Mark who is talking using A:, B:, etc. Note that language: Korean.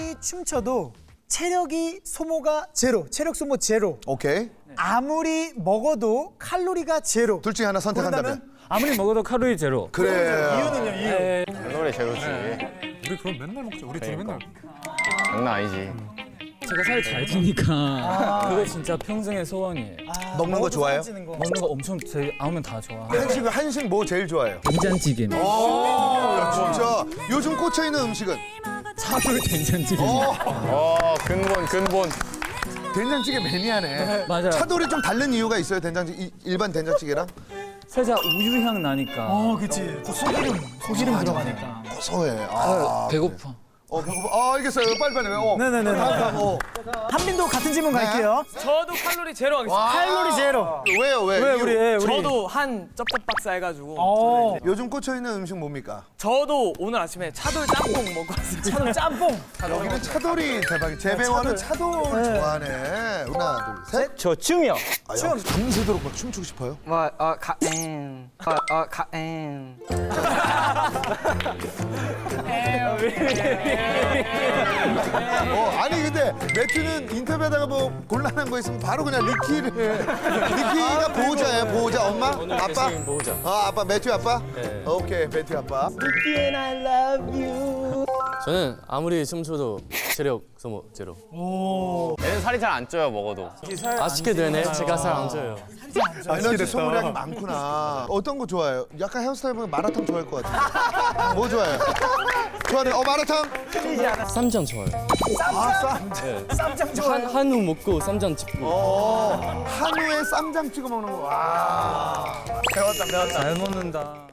A: 아무리 춤춰도 체력이 소모가 제로, 체력 소모 제로.
B: 오케이.
A: 아무리 먹어도 칼로리가 제로.
B: 둘 중에 하나 선택한다면?
C: 아무리 먹어도 칼로리 제로.
B: 그래.
A: 이유는요, 이유.
D: 칼로리 제로지.
E: 우리 그럼 맨날 먹자. 우리 둘이 맨날.
D: 장난 아니지.
C: 제가 살이 잘 찌니까 그거 진짜 평생의 소원이에요.
B: 먹는 거 좋아해요?
A: 찌는 거.
C: 먹는 거 엄청 아우면 다 좋아.
B: 한식 뭐 제일 좋아해요?
C: 된장찌개.
B: 야, 진짜 요즘 꽂혀 있는 음식은
C: 차돌 된장찌개.
D: 근본.
B: 된장찌개 매니아네.
C: 맞아요.
B: 차돌이 좀 다른 이유가 있어요? 된장찌개 일반 된장찌개랑?
C: 살짝 우유향 나니까.
A: 그치. 소기름 들어가니까.
B: 고소해.
C: 배고파.
B: 배고파. 알겠어요. 빨리빨리.
A: 네네네. 한빈도 같은 질문 갈게요.
F: 저도 칼로리 제로 하겠습니다.
A: 칼로리 제로.
B: 왜요? 왜?
A: 왜
B: 이유?
A: 우리?
F: 저도 한 쩝쩝박스 해가지고
B: 요즘 꽂혀 있는 음식 뭡니까?
F: 저도 오늘 아침에 차돌 짬뽕 먹고 왔어요.
A: 차돌 짬뽕.
B: 여기는 차돌이 대박이. 재배원은 차돌 좋아하네. 하나, 둘, 셋.
D: 저 춤이요.
B: 밤새도록 막 춤추고 싶어요? 아니 근데 매튜는 인터뷰하다가 뭐 곤란한 거 있으면 바로 그냥 리키가 보호자예요. 보호자. 엄마? 아빠?
D: 보호자.
B: 아빠. 매튜 아빠?
D: 네.
B: 오케이. 매튜 아빠.
G: 저는 아무리 춤춰도 체력 소모 제로.
D: 얘는 살이 잘 안 쪄요, 먹어도.
G: 아쉽게 되네. 제가 살 안 쪄요.
B: 에너지 소모량이 많구나. 어떤 거 좋아해요? 약간 헤어스타일 보면 마라탕 좋아할 것 같아. 뭐 좋아해요? 좋아해. 마라탕?
G: 쌈장 좋아요.
A: 쌈장 좋아요.
G: 한우 먹고 쌈장 찍고.
B: 한우에 쌈장 찍어 먹는 거. 와.
C: 잘 먹는다.